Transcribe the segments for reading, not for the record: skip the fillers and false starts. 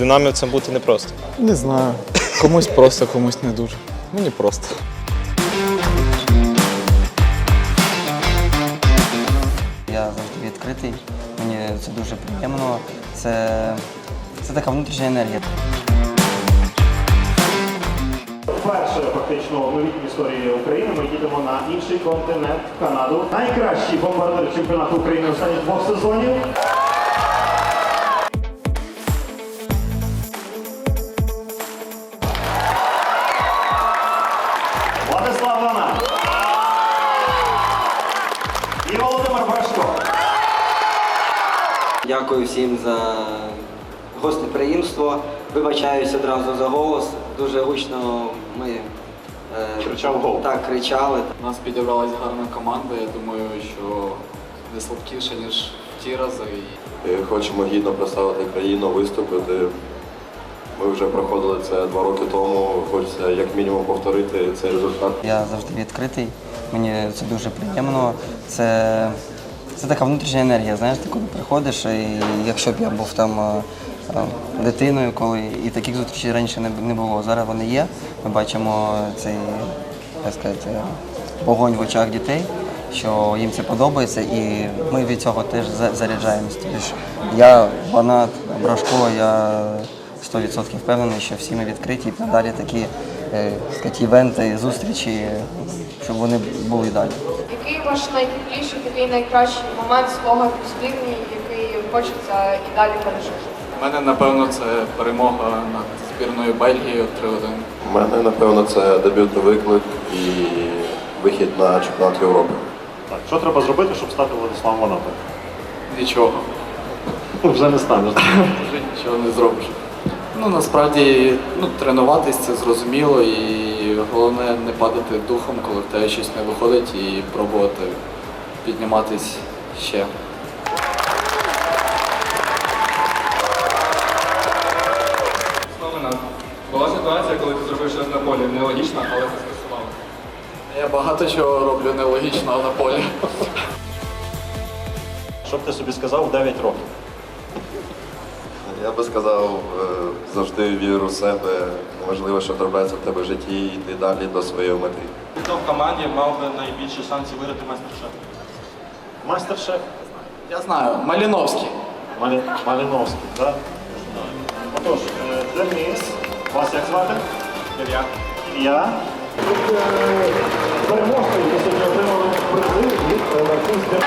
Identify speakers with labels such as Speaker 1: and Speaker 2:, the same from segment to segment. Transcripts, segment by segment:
Speaker 1: Динамівцем бути непросто.
Speaker 2: Не знаю. Комусь просто, комусь не дуже. Мені просто.
Speaker 3: Я завжди відкритий, мені це дуже приємно. Це така внутрішня енергія.
Speaker 4: Вперше фактично в новітній історії України ми їдемо на інший континент, в Канаду. Найкращий бомбардир чемпіонату України останніх 2 сезонів. Владислав Лана. І Володимир Брашко.
Speaker 3: Дякую всім за гостеприємство. Вибачаюсь одразу за голос. Дуже гучно ми
Speaker 4: Кричав гол.
Speaker 3: так кричали.
Speaker 5: У нас підібралась гарна команда, я думаю, що не слабкіше, ніж в ті рази.
Speaker 6: Хочемо гідно представити країну, виступити. Ми вже проходили це 2 роки тому, хочеться як мінімум повторити цей результат.
Speaker 3: Я завжди відкритий, мені це дуже приємно. Це така внутрішня енергія, знаєш, ти коли приходиш, і якщо б я був там дитиною, коли і таких зустрічей раніше не було. Зараз вони є. Ми бачимо цей, як сказати, вогонь в очах дітей, що їм це подобається, і ми від цього теж заряджаємось. Тож я фанат Брашко, я 100% впевнений, що всі ми відкриті і надалі такі івенти, зустрічі, щоб вони були далі.
Speaker 7: Який ваш найтепліший, такий найкращий момент свого збірні, який хочеться і далі пережити?
Speaker 5: У мене, напевно, це перемога над збірною Бельгії 3-1.
Speaker 6: У мене, напевно, це дебютний виклик і вихід на чемпіонат Європи.
Speaker 4: Так, що треба зробити, щоб стати Владиславом Ванатом?
Speaker 5: Нічого.
Speaker 4: Вже не станеш.
Speaker 5: Вже нічого не зробиш. Насправді, тренуватись це зрозуміло, і головне не падати духом, коли в тебе щось не виходить, і пробувати підніматись ще.
Speaker 8: Була ситуація, коли ти зробив щось на полі нелогічно, але ти скасував.
Speaker 5: Я багато чого роблю нелогічного на полі.
Speaker 4: Що б ти собі сказав в 9 років?
Speaker 6: Я би сказав, завжди віру в себе, неважливо, що трапляється в тебе в житті, і йти далі до своєї мети.
Speaker 8: Хто в команді мав би найбільше шансів виграти майстер-шеф?
Speaker 4: Майстер-шеф?
Speaker 5: Я знаю, Маліновський.
Speaker 4: Малиновський, так? Отож, Денис, вас як звати?
Speaker 8: Ілля.
Speaker 4: Ілля. Тут переможці, які сьогодні отримали призи від Марківської.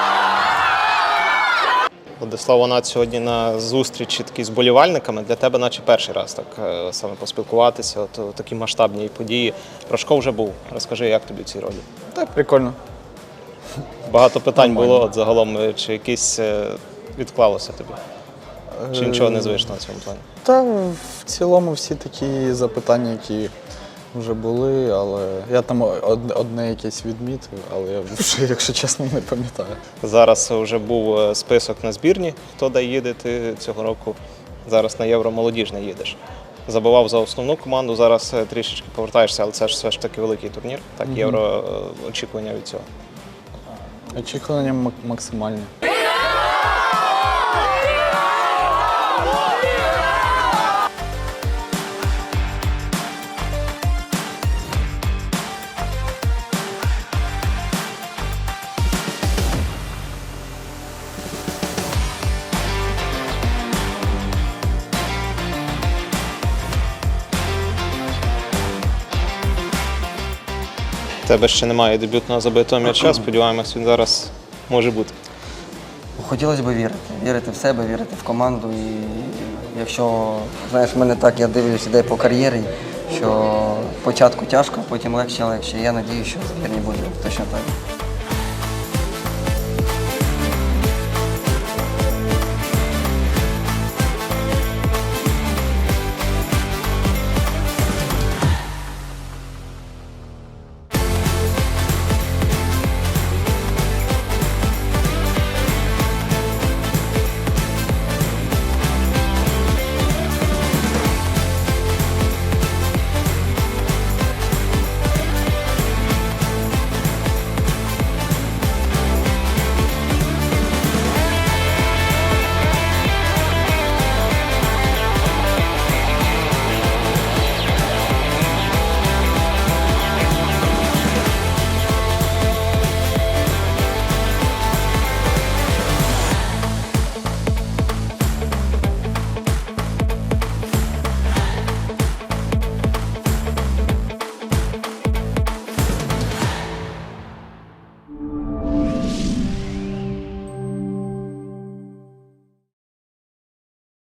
Speaker 1: Владислав Ванат сьогодні на зустрічі такій з болівальниками. Для тебе наче перший раз так саме поспілкуватися, от такі масштабні події. Брашко вже був. Розкажи, як тобі в цій ролі?
Speaker 2: Так, прикольно.
Speaker 1: Багато питань було от загалом, чи якісь відклалося тобі? Чи нічого незвичного на цьому плані?
Speaker 2: Та в цілому всі такі запитання, які вже були, але я там одне якесь відмітив, але я вже, якщо чесно, не пам'ятаю.
Speaker 1: Зараз вже був список на збірні, хто де їде, ти цього року зараз на Євро молодіжне їдеш. Забивав за основну команду, зараз трішечки повертаєшся, але це ж все ж таки великий турнір. Так, Євро, очікування від цього.
Speaker 2: Очікування максимальні.
Speaker 1: У тебе ще немає дебютного забитого м'яча, сподіваємось, він зараз може бути.
Speaker 3: Хотілося б вірити в себе, вірити в команду. І якщо, знаєш, в мене так, я дивлюся, іде по кар'єрі, що спочатку тяжко, потім легше. Я сподіваюся, що в збірні буде точно так.